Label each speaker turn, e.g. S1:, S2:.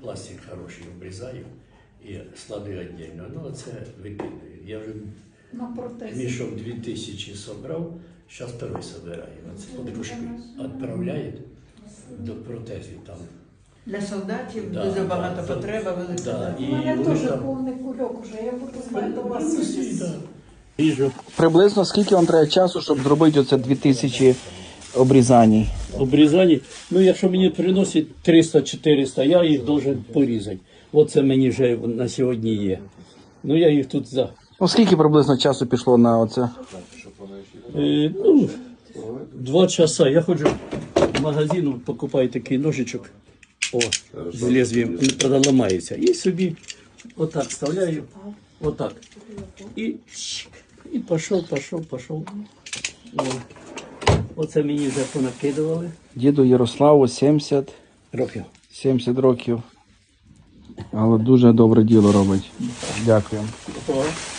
S1: пластик хороший обрізаю і складаю віддільно. Ну, це викидаю. Я вже
S2: На протезі.
S1: мішок 2000 собрав, зараз второй собираю. Оце подружки відправляють до протезів там.
S3: Для солдатів
S1: Да,
S3: дуже
S1: да,
S3: багато
S1: да.
S3: потреба велика.
S1: Да,
S2: У
S1: і
S2: мене
S1: вони
S2: теж
S1: там-
S2: повний кульок уже, я буду знати до вас.
S1: Да. Ріжу.
S4: Приблизно скільки вам треба часу, щоб зробити оце 2000 обрізань?
S1: Обрізані. Ну, якщо мені приносять 300-400, я їх должен порізати. Оце мені вже на сьогодні є. Ну, я їх тут за...
S4: Ну скільки приблизно часу пішло на оце?
S1: 2 часа. Я ходжу в магазин, покупаю такий ножичок. О, з лезвієм, він правда ламається. І собі отак вставляю, отак. І пішов. О. Оце мені вже понакидували.
S4: Діду Ярославу 70
S1: Років.
S4: років. Але дуже добре діло робить. Дякую.
S1: О.